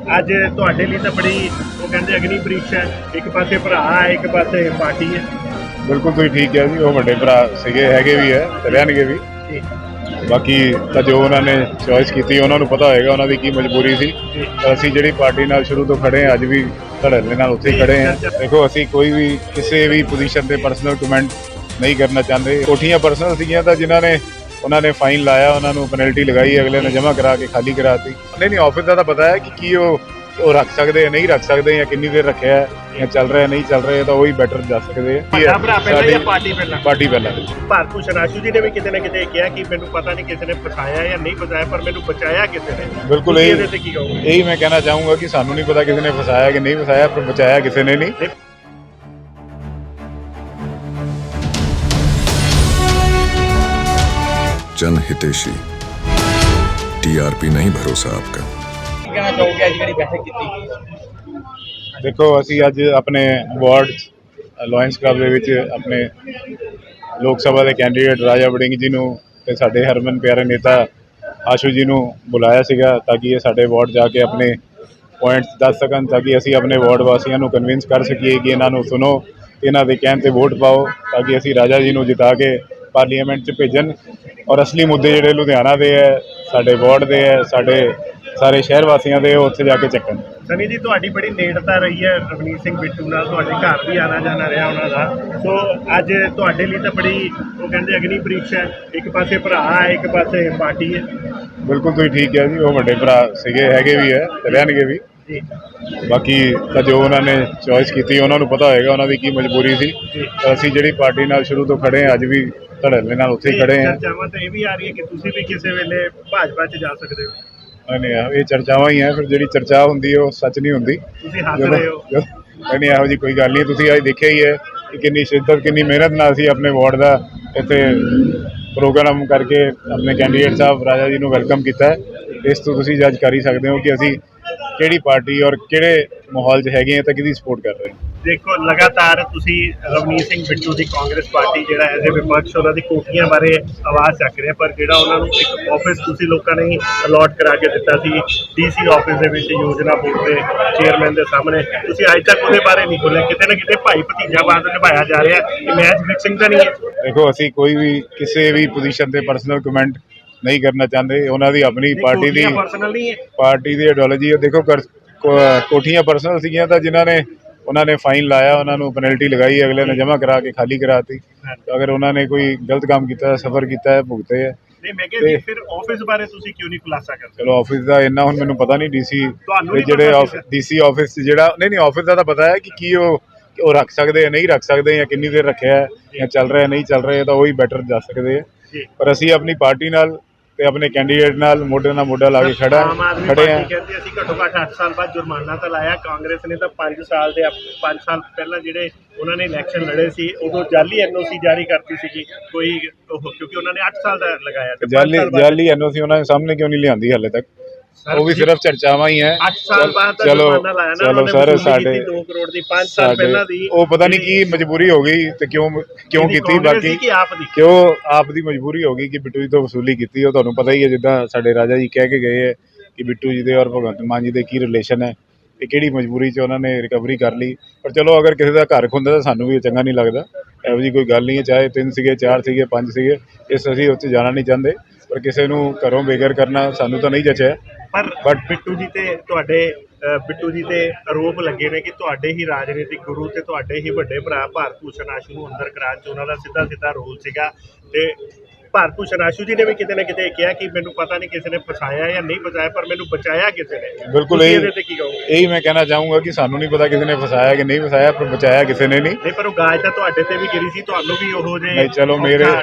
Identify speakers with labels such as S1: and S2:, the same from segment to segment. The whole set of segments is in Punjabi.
S1: ਅੱਜ ਤੁਹਾਡੇ ਲਈ ਤਾਂ ਬੜੀ ਉਹ ਕਹਿੰਦੇ ਅਗਨੀ ਪ੍ਰੀਖਿਆ ਹੈ। ਇੱਕ ਪਾਸੇ ਭਰਾ ਹੈ, ਇੱਕ ਪਾਸੇ ਪਾਰਟੀ ਹੈ।
S2: ਬਿਲਕੁਲ ਤੁਸੀਂ ਠੀਕ ਕਿਹਾ ਜੀ। ਉਹ ਵੱਡੇ ਭਰਾ ਸੀਗੇ, ਹੈਗੇ ਵੀ ਹੈ ਤੇ ਰਹਿਣਗੇ ਵੀ। ਬਾਕੀ ਤਾਂ ਜੋ ਉਹਨਾਂ ਨੇ ਚੋਇਸ ਕੀਤੀ ਉਹਨਾਂ ਨੂੰ ਪਤਾ ਹੋਏਗਾ ਉਹਨਾਂ ਦੀ ਕੀ ਮਜਬੂਰੀ ਸੀ। ਪਰ ਅਸੀਂ ਜਿਹੜੀ ਪਾਰਟੀ ਨਾਲ ਸ਼ੁਰੂ ਤੋਂ ਖੜੇ ਹਾਂ, ਅੱਜ ਵੀ ਧੜੱਲੇ ਨਾਲ ਉੱਥੇ ਹੀ ਖੜੇ ਹਾਂ। ਦੇਖੋ, ਅਸੀਂ ਕੋਈ ਵੀ ਕਿਸੇ ਵੀ ਪੋਜੀਸ਼ਨ ਤੇ ਪਰਸਨਲ ਕਮੈਂਟ ਨਹੀਂ ਕਰਨਾ ਚਾਹੁੰਦੇ। ਕੋਠੀਆਂ ਪਰਸਨਲ ਸੀਗੀਆਂ ਤਾਂ ਜਿਨ੍ਹਾਂ ਨੇ ਉਹਨਾਂ ਨੇ ਫਾਈਨ ਲਾਇਆ, ਉਹਨਾਂ ਨੂੰ ਪੈਨਲਟੀ ਲਗਾਈ, ਅਗਲੇ ਨੇ ਜਮ੍ਹਾਂ ਕਰਾ ਕੇ ਖਾਲੀ ਕਰਾਤੀ। ਨਹੀਂ ਆਫਿਸ ਦਾ ਤਾਂ ਪਤਾ ਹੈ ਕਿ ਕੀ ਉਹ ਰੱਖ ਸਕਦੇ ਆ, ਨਹੀਂ ਰੱਖ ਸਕਦੇ, ਜਾਂ ਕਿੰਨੀ ਦੇਰ ਰੱਖਿਆ ਜਾਂ ਚੱਲ ਰਿਹਾ ਨਹੀਂ ਚੱਲ ਰਿਹਾ, ਤਾਂ ਉਹੀ ਬੈਟਰ ਦੱਸ ਸਕਦੇ ਆ। ਪਾਰਟੀ ਪਹਿਲਾਂ
S1: ਭਾਰਤ ਭੂਸ਼ਣ ਆਸ਼ੂ ਜੀ ਨੇ ਵੀ ਕਿਤੇ ਨਾ ਕਿਤੇ ਕਿਹਾ ਕਿ ਮੈਨੂੰ ਪਤਾ ਨਹੀਂ ਕਿਸੇ ਨੇ ਫਸਾਇਆ ਜਾਂ ਨਹੀਂ ਫਸਾਇਆ, ਪਰ ਮੈਨੂੰ ਬਚਾਇਆ ਕਿਸੇ ਨੇ।
S2: ਬਿਲਕੁਲ ਇਹੀ ਮੈਂ ਕਹਿਣਾ ਚਾਹੂੰਗਾ ਕਿ ਸਾਨੂੰ ਨਹੀਂ ਪਤਾ ਕਿਸੇ ਨੇ ਫਸਾਇਆ ਕਿ ਨਹੀਂ ਫਸਾਇਆ, ਪਰ ਬਚਾਇਆ ਕਿਸੇ ਨੇ ਨਹੀਂ।
S3: जन हितेशी टीआरपी नहीं भरोसा आपका।
S2: देखो, ਅਸੀਂ ਅੱਜ ਆਪਣੇ ਵਾਰਡ ਲਾਇਨਸ ਕਲੱਬ ਦੇ ਵਿੱਚ ਆਪਣੇ ਲੋਕ ਸਭਾ ਦੇ ਕੈਂਡੀਡੇਟ ਰਾਜਾ ਵੜਿੰਗ ਜੀ ਨੂੰ ਤੇ ਸਾਡੇ ਹਰਮਨ ਪਿਆਰੇ ਨੇਤਾ ਆਸ਼ੂ ਜੀ ਨੂੰ ਬੁਲਾਇਆ ਸੀਗਾ ਤਾਂ ਕਿ ਇਹ ਸਾਡੇ ਵਾਰਡ ਜਾ ਕੇ ਆਪਣੇ ਪੁਆਇੰਟਸ ਦੱਸ ਸਕਣ, ਤਾਂ ਕਿ ਅਸੀਂ ਆਪਣੇ ਵਾਰਡ ਵਾਸੀਆਂ ਨੂੰ ਕਨਵਿੰਸ ਕਰ ਸਕੀਏ ਕਿ ਇਹਨਾਂ ਨੂੰ ਸੁਣੋ, ਇਹਨਾਂ ਦੇ ਕਹਿਣ 'ਤੇ ਵੋਟ ਪਾਓ, ਤਾਂ ਕਿ ਅਸੀਂ ਰਾਜਾ ਜੀ ਨੂੰ ਜਿਤਾ ਕੇ ਪਾਰਲੀਮੈਂਟ 'ਚ ਭੇਜਣ। ਔਰ ਅਸਲੀ ਮੁੱਦੇ ਜਿਹੜੇ ਲੁਧਿਆਣਾ ਦੇ ਹੈ, ਸਾਡੇ ਵਾਰਡ ਦੇ ਹੈ, ਸਾਡੇ ਸਾਰੇ ਸ਼ਹਿਰ ਵਾਸੀਆਂ ਦੇ, ਉੱਥੇ ਜਾ ਕੇ ਚੱਕਣ।
S1: ਸਨੀ ਜੀ, ਤੁਹਾਡੀ ਬੜੀ ਨੇੜਤਾ ਰਹੀ ਹੈ ਰਵਨੀਤ ਸਿੰਘ ਬਿੱਟੂ ਨਾਲ, ਤੁਹਾਡੇ ਘਰ ਵੀ ਆਣਾ ਜਾਣਾ ਰਿਹਾ ਉਹਨਾਂ ਦਾ। ਸੋ ਅੱਜ ਤੁਹਾਡੇ ਲਈ ਤਾਂ ਬੜੀ ਉਹ ਕਹਿੰਦੇ ਅਗਨੀ ਪ੍ਰੀਖਿਆ ਹੈ। ਇੱਕ ਪਾਸੇ ਭਰਾ ਹੈ, ਇੱਕ ਪਾਸੇ ਪਾਰਟੀ ਹੈ।
S2: ਬਿਲਕੁਲ ਤੁਸੀਂ ਠੀਕ ਕਿਹਾ ਜੀ। ਉਹ ਵੱਡੇ ਭਰਾ ਸੀਗੇ, ਹੈਗੇ ਵੀ ਹੈ ਤੇ ਰਹਿਣਗੇ ਵੀ। ਬਾਕੀ ਤਾਂ ਜੋ ਉਹਨਾਂ ਨੇ ਚੋਇਸ ਕੀਤੀ ਉਹਨਾਂ ਨੂੰ ਪਤਾ ਹੋਏਗਾ ਉਹਨਾਂ ਦੀ ਕੀ ਮਜਬੂਰੀ ਸੀ। ਪਰ ਅਸੀਂ ਜਿਹੜੀ ਪਾਰਟੀ ਨਾਲ ਸ਼ੁਰੂ ਤੋਂ ਖੜੇ ਹਾਂ, ਅੱਜ ਵੀ ਧੜੱਲੇ ਨਾਲ ਉੱਥੇ ਹੀ ਖੜੇ ਹਾਂ।
S1: ਚਰਚਾਵਾਂ ਤਾਂ ਇਹ ਵੀ ਆ ਰਹੀ ਹੈ ਕਿ ਤੁਸੀਂ ਵੀ ਕਿਸੇ ਵੇਲੇ ਭਾਜਪਾ 'ਚ ਜਾ ਸਕਦੇ ਹੋ।
S2: ਨਹੀਂ, ਇਹ ਚਰਚਾਵਾਂ ਹੀ ਹੈ। ਫਿਰ ਜਿਹੜੀ ਚਰਚਾ ਹੁੰਦੀ ਹੈ ਉਹ ਸੱਚ ਨਹੀਂ ਹੁੰਦੀ।
S1: ਤੁਸੀਂ ਹੱਸ ਰਹੇ ਹੋ।
S2: ਨਹੀਂ, ਇਹੋ ਜਿਹੀ ਕੋਈ ਗੱਲ ਨਹੀਂ। ਤੁਸੀਂ ਅੱਜ ਦੇਖਿਆ ਹੀ ਹੈ ਕਿ ਕਿੰਨੀ ਸ਼ਿੱਦਤ, ਕਿੰਨੀ ਮਿਹਨਤ ਨਾਲ ਅਸੀਂ ਆਪਣੇ ਵਾਰਡ ਦਾ ਇੱਥੇ ਪ੍ਰੋਗਰਾਮ ਕਰਕੇ ਆਪਣੇ ਕੈਂਡੀਡੇਟ ਸਾਹਿਬ ਰਾਜਾ ਜੀ ਨੂੰ ਵੈਲਕਮ ਕੀਤਾ ਹੈ। ਇਸ ਤੋਂ ਤੁਸੀਂ ਜੱਜ ਕਰ ਹੀ ਸਕਦੇ ਹੋ ਕਿ ਅਸੀਂ ਕਿਹੜੀ ਪਾਰਟੀ ਔਰ ਕਿਹੜੇ ਮਾਹੌਲ 'ਚ ਹੈਗੇ ਹਾਂ ਤਾਂ ਕਿਹਦੀ ਸਪੋਰਟ ਕਰ ਰਹੇ ਹਾਂ।
S1: ਦੇਖੋ, ਲਗਾਤਾਰ ਤੁਸੀਂ ਰਵਨੀਤ ਸਿੰਘ ਬਿੱਟੂ ਦੀ ਕਾਂਗਰਸ ਪਾਰਟੀ ਜਿਹੜਾ ਐਜ਼ ਏ ਵਿਪਕਸ਼ ਉਹਨਾਂ ਦੀ ਕੋਠੀਆਂ ਬਾਰੇ ਆਵਾਜ਼ ਚੱਕ ਰਿਹਾ, ਪਰ ਜਿਹੜਾ ਉਹਨਾਂ ਨੂੰ ਇੱਕ ਆਫਿਸ ਤੁਸੀਂ ਲੋਕਾਂ ਨੇ ਹੀ ਅਲਾਟ ਕਰਾ ਕੇ ਦਿੱਤਾ ਸੀ ਡੀਸੀ ਆਫਿਸ ਦੇ ਵਿੱਚ ਯੋਜਨਾ ਬੋਰਡ ਦੇ ਚੇਅਰਮੈਨ ਦੇ ਸਾਹਮਣੇ, ਤੁਸੀਂ ਅੱਜ ਤੱਕ ਉਹਦੇ ਬਾਰੇ ਨਹੀਂ ਬੋਲੇ। ਕਿਤੇ ਨਾ ਕਿਤੇ ਭਾਈ ਭਤੀਜਾਵਾਦ ਨਿਭਾਇਆ ਜਾ ਰਿਹਾ, ਇਹ ਮੈਚ ਫਿਕਸਿੰਗ ਤਾਂ ਨਹੀਂ ਹੈ।
S2: ਦੇਖੋ, ਅਸੀਂ ਕੋਈ ਵੀ ਕਿਸੇ ਵੀ ਪੋਜੀਸ਼ਨ ਤੇ ਪਰਸਨਲ ਕਮੈਂਟ ਨਹੀਂ ਕਰਨਾ ਚਾਹੁੰਦੇ। ਉਹਨਾਂ ਦੀ ਆਪਣੀ ਪਾਰਟੀ ਦੀ ਆਈਡੀਓਲੋਜੀ ਹੈ। ਦੇਖੋ, ਕੋਠੀਆਂ ਪਰਸਨਲ ਸੀਗੀਆਂ ਤਾਂ ਜਿਨ੍ਹਾਂ ਨੇ ਉਹਨਾਂ ਨੇ ਫਾਈਨ ਲਾਇਆ, ਉਹਨਾਂ ਨੂੰ ਪੈਨਲਟੀ ਲਗਾਈ, ਅਗਲੇ ਨੇ ਜਮ੍ਹਾਂ ਕਰਾ ਕੇ ਖਾਲੀ ਕਰਾਤੀ। ਅਗਰ ਉਹਨਾਂ ਨੇ ਕੋਈ ਗਲਤ ਕੰਮ ਕੀਤਾ, ਸਫਰ ਕੀਤਾ ਹੈ, ਭੁਗਤੇ ਹੈ।
S1: ਨਹੀਂ, ਫਿਰ ਆਫਿਸ ਬਾਰੇ ਤੁਸੀਂ ਕਿਉਂ ਨਹੀਂ ਖੁਲਾਸਾ ਕਰਦੇ?
S2: ਚਲੋ, ਆਫਿਸ ਦਾ ਇੰਨਾ ਹੁਣ ਮੈਨੂੰ ਪਤਾ ਨਹੀਂ। ਡੀਸੀ ਆਫਿਸ ਜਿਹੜਾ ਨਹੀਂ ਆਫਿਸ ਦਾ ਤਾਂ ਪਤਾ ਹੈ ਕਿ ਕੀ ਉਹ ਰੱਖ ਸਕਦੇ ਆ, ਨਹੀਂ ਰੱਖ ਸਕਦੇ, ਜਾਂ ਕਿੰਨੀ ਦੇਰ ਰੱਖਿਆ ਜਾਂ ਚੱਲ ਰਿਹਾ ਨਹੀਂ ਚੱਲ ਰਿਹਾ, ਤਾਂ ਉਹੀ ਬੈਟਰ ਦੱਸ ਸਕਦੇ ਆ। ਪਰ ਅਸੀਂ ਆਪਣੀ ਪਾਰਟੀ ਨਾਲ ਤੇ ਆਪਣੇ ਕੈਂਡੀਡੇਟ ਨਾਲ ਮੋਢੇ ਨਾਲ ਮੋਢਾ ਲਾ ਕੇ ਖੜੇ ਹਾਂ।
S1: ਕਹਿੰਦੇ ਅਸੀਂ ਘੱਟੋ ਘੱਟ 8 ਸਾਲ ਬਾਅਦ ਜੁਰਮਾਨਾ ਤਾਂ ਲਾਇਆ। ਕਾਂਗਰਸ ਨੇ ਤਾਂ 5 ਸਾਲ ਪਹਿਲਾਂ ਜਿਹੜੇ ਉਹਨਾਂ ਨੇ ਇਲੈਕਸ਼ਨ ਲੜੇ ਸੀ, ਉਦੋਂ ਜਾਲੀ ਐਨਓਸੀ ਜਾਰੀ ਕਰਤੀ ਸੀਗੀ ਕੋਈ, ਕਿਉਂਕਿ ਉਹਨਾਂ ਨੇ 8 ਸਾਲ ਦਾ ਲਗਾਇਆ।
S2: ਜਾਲੀ ਐਨਓਸੀ ਉਹਨਾਂ ਦੇ ਸਾਹਮਣੇ ਕਿਉਂ ਨਹੀਂ ਲਿਆਂਦੀ ਹਾਲੇ ਤੱਕ? ਉਹ ਵੀ ਸਿਰਫ ਚਰਚਾਵਾਂ ਹੀ ਹੈ।
S1: 8 ਸਾਲ ਬਾਅਦ
S2: ਚਲੋ ਸਰ, ਸਾਡੇ
S1: 2 ਕਰੋੜ ਦੀ 5 ਸਾਲ ਪਹਿਲਾਂ ਦੀ
S2: ਉਹ ਪਤਾ ਨਹੀਂ ਕੀ ਮਜਬੂਰੀ ਹੋ ਗਈ ਤੇ ਕਿਉਂ ਕੀਤੀ। ਬਾਕੀ ਕਿਉਂ ਆਪ ਦੀ ਮਜਬੂਰੀ ਹੋ ਗਈ ਕਿ ਬਿੱਟੂ ਜੀ ਤੋਂ ਵਸੂਲੀ ਕੀਤੀ। ਉਹ ਤੁਹਾਨੂੰ ਪਤਾ ਹੀ ਹੈ, ਜਿੱਦਾਂ ਸਾਡੇ ਰਾਜਾ ਜੀ ਕਹਿ ਕੇ ਗਏ ਹੈ ਕਿ ਬਿੱਟੂ ਜੀ ਦੇ ਔਰ ਭਗਵੰਤ ਮਾਨ ਜੀ ਦੇ ਕੀ ਰਿਲੇਸ਼ਨ ਹੈ, ਤੇ ਕਿਹੜੀ ਮਜਬੂਰੀ 'ਚ ਉਹਨਾਂ ਨੇ ਰਿਕਵਰੀ ਕਰ ਲਈ। ਪਰ ਚਲੋ, ਅਗਰ ਕਿਸੇ ਦਾ ਘਰ ਖੁੰਦਾ ਤਾਂ ਸਾਨੂੰ ਵੀ ਚੰਗਾ ਨਹੀਂ ਲੱਗਦਾ। ਇਹੋ ਜਿਹੀ ਕੋਈ ਗੱਲ ਨਹੀਂ ਹੈ। ਚਾਹੇ 3 ਸੀਗੇ, 4 ਸੀਗੇ, 5 ਸੀਗੇ, ਅਸੀਂ ਉੱਥੇ ਜਾਣਾ ਨਹੀਂ ਚਾਹੁੰਦੇ। ਪਰ ਕਿਸੇ ਨੂੰ ਘਰੋਂ ਬੇਘਰ ਕਰਨਾ ਸਾਨੂੰ ਤਾਂ ਨਹੀਂ ਜਚਿਆ।
S1: ਪਰ ਬਿੱਟੂ ਜੀ ਤੇ ਆਰੋਪ ਲੱਗੇ ਨੇ ਕਿ ਤੁਹਾਡੇ ਹੀ ਰਾਜਨੀਤਿਕ ਗੁਰੂ ਤੇ ਤੁਹਾਡੇ ਹੀ ਵੱਡੇ ਭਰਾ ਭਾਰਤ ਭੂਸ਼ਣ ਆਸ਼ੂ ਨੂੰ ਅੰਦਰ ਕਰਾਉਣ 'ਚ ਉਹਨਾਂ ਦਾ ਸਿੱਧਾ ਰੋਲ ਸੀਗਾ। ਤੇ ਭਾਰਤ ਭੂਸ਼ਣ ਆਸ਼ੂ ਜੀ ਨੇ ਵੀ ਕਿਤੇ ਨਾ ਕਿਤੇ ਕਿਹਾ ਕਿ ਮੈਨੂੰ ਪਤਾ ਨਹੀਂ ਕਿਸੇ ਨੇ ਫਸਾਇਆ ਜਾਂ ਨਹੀਂ ਫਸਾਇਆ, ਪਰ ਮੈਨੂੰ ਬਚਾਇਆ ਕਿਸੇ ਨੇ।
S2: ਬਿਲਕੁਲ ਇਹੀ ਮੈਂ ਕਹਿਣਾ ਚਾਹੂੰਗਾ ਕਿ ਸਾਨੂੰ ਨਹੀਂ ਪਤਾ ਕਿਸੇ ਨੇ ਫਸਾਇਆ ਕਿ ਨਹੀਂ ਫਸਾਇਆ, ਪਰ ਬਚਾਇਆ ਕਿਸੇ ਨੇ ਨਹੀਂ।
S1: ਪਰ ਉਹ ਗਾਜ ਤਾਂ ਤੁਹਾਡੇ ਤੇ ਵੀ ਗਿਰੀ ਸੀ, ਤੁਹਾਨੂੰ ਵੀ ਉਹੋ ਜਿਹੇ
S2: ਨਹੀਂ। ਚਲੋ,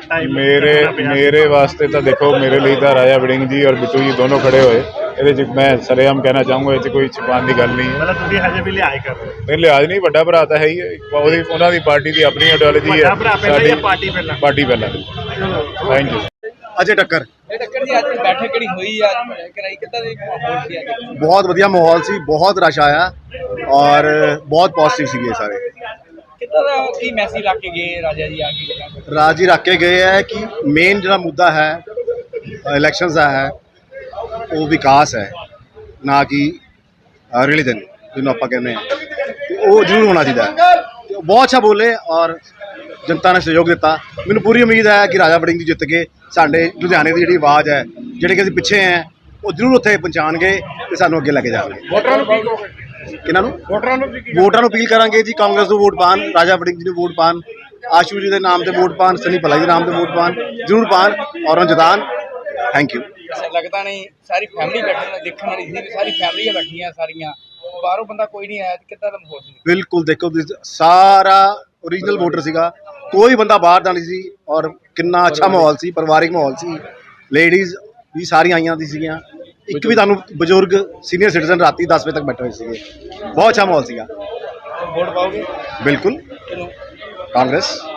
S2: ਮੇਰੇ ਵਾਸਤੇ ਤਾਂ ਦੇਖੋ, ਮੇਰੇ ਲਈ ਤਾਂ ਰਾਜਾ ਵੜਿੰਗ ਜੀ ਔਰ ਬਿੱਟੂ ਜੀ ਦੋਨੋਂ ਖੜੇ ਹੋਏ। ਇਹਦੇ 'ਚ ਮੈਂ ਸਰੇਆਮ ਕਹਿਣਾ ਚਾਹੂੰਗਾ, ਇਹ 'ਚ ਕੋਈ ਛੁਪਾਉਣ ਦੀ ਗੱਲ ਨਹੀਂ ਹੈ।
S1: ਮਤਲਬ ਤੁਸੀਂ ਹਜੇ ਵੀ ਲਿਹਾਜ਼ ਕਰ ਰਹੇ ਹੋ?
S2: ਨਹੀਂ, ਲਿਹਾਜ਼ ਨਹੀਂ। ਵੱਡਾ ਭਰਾ ਤਾਂ ਹੈ ਹੀ। ਉਹਨਾਂ ਦੀ ਪਾਰਟੀ ਦੀ ਆਪਣੀ ਆਈਡੀਓਲੋਜੀ ਹੈ।
S1: ਸਾਡੀ
S2: ਪਾਰਟੀ ਪਹਿਲਾਂ। Thank you.
S4: अजय टक्कर
S5: जी आज बैठक किहड़ी हुई कराई कितना माहौल सी आज?
S4: बहुत वधिया माहौल सी, बहुत रश आया और बहुत पॉजिटिव सी सारे।
S5: कितना की मैसेज रख के गए राजा जी आगे?
S4: राजा जी रख के गए है कि मेन जो मुद्दा है इलैक्शंस का है वो विकास है, ना कि ਰਿਲੀਜਨ ਜਿਹਨੂੰ ਆਪਾਂ ਕਹਿੰਦੇ ਹਾਂ, ਤੇ ਉਹ ਜ਼ਰੂਰ ਹੋਣਾ ਚਾਹੀਦਾ ਹੈ। ਤੇ ਉਹ ਬਹੁਤ ਅੱਛਾ ਬੋਲੇ ਔਰ ਜਨਤਾ ਨੇ ਸਹਿਯੋਗ ਦਿੱਤਾ। ਮੈਨੂੰ ਪੂਰੀ ਉਮੀਦ ਹੈ ਕਿ ਰਾਜਾ ਵੜਿੰਗ ਜੀ ਜਿੱਤ ਕੇ ਸਾਡੇ ਲੁਧਿਆਣੇ ਦੀ ਜਿਹੜੀ ਆਵਾਜ਼ ਹੈ, ਜਿਹੜੇ ਕਿ ਅਸੀਂ ਪਿੱਛੇ ਹੈ, ਉਹ ਜ਼ਰੂਰ ਉੱਥੇ ਪਹੁੰਚਾਉਣਗੇ ਤੇ ਸਾਨੂੰ ਅੱਗੇ ਲੈ ਕੇ ਜਾਣਗੇ। ਕਿਹਨਾਂ ਨੂੰ? ਵੋਟਰਾਂ ਨੂੰ ਅਪੀਲ ਕਰਾਂਗੇ ਜੀ, ਕਾਂਗਰਸ ਨੂੰ ਵੋਟ ਪਾਉਣ, ਰਾਜਾ ਵੜਿੰਗ ਜੀ ਨੂੰ ਵੋਟ ਪਾਉਣ, ਆਸ਼ੂ ਜੀ ਦੇ ਨਾਮ ਤੇ ਵੋਟ ਪਾਉਣ, ਸਨੀ ਭੱਲਾ ਜੀ ਦੇ ਨਾਮ ਤੇ ਵੋਟ ਪਾਉਣ, ਜ਼ਰੂਰ ਪਾਉਣ ਔਰ ਉਹਨੂੰ ਜਿਤਾਉਣ। Thank you.
S5: ਲੱਗਦਾ ਨਹੀਂ ਸਾਰੀ ਫੈਮਿਲੀ ਬੈਠੀ ਦੇਖਣ ਵਾਲੀ ਸੀ, ਸਾਰੀ ਫੈਮਿਲੀਆਂ ਬੈਠੀਆਂ ਸਾਰੀਆਂ, ਬਾਹਰੋਂ ਬੰਦਾ ਕੋਈ ਨਹੀਂ ਆਇਆ, ਕਿੱਦਾਂ ਦਾ ਮਾਹੌਲ ਸੀ?
S4: ਬਿਲਕੁਲ ਦੇਖੋ ਤੁਸੀਂ, ਸਾਰਾ ਓਰੀਜਨਲ ਵੋਟਰ ਸੀਗਾ, ਕੋਈ ਬੰਦਾ ਬਾਹਰ ਦਾ ਨਹੀਂ ਸੀ ਔਰ ਕਿੰਨਾ ਅੱਛਾ ਮਾਹੌਲ ਸੀ, ਪਰਿਵਾਰਿਕ ਮਾਹੌਲ ਸੀ। ਲੇਡੀਜ਼ ਵੀ ਸਾਰੀਆਂ ਆਈਆਂ ਦੀ ਸੀਗੀਆਂ, ਇੱਕ ਵੀ ਤੁਹਾਨੂੰ ਬਜ਼ੁਰਗ ਸੀਨੀਅਰ ਸਿਟੀਜ਼ਨ ਰਾਤੀ 10 ਵਜੇ ਤੱਕ ਬੈਠੇ ਹੋਏ ਸੀਗੇ। ਬਹੁਤ ਅੱਛਾ ਮਾਹੌਲ ਸੀਗਾ।
S5: ਵੋਟ ਪਾਓਗੇ?
S4: ਬਿਲਕੁਲ,
S5: ਕਿਹਨੂੰ?
S4: ਕਾਂਗਰਸ।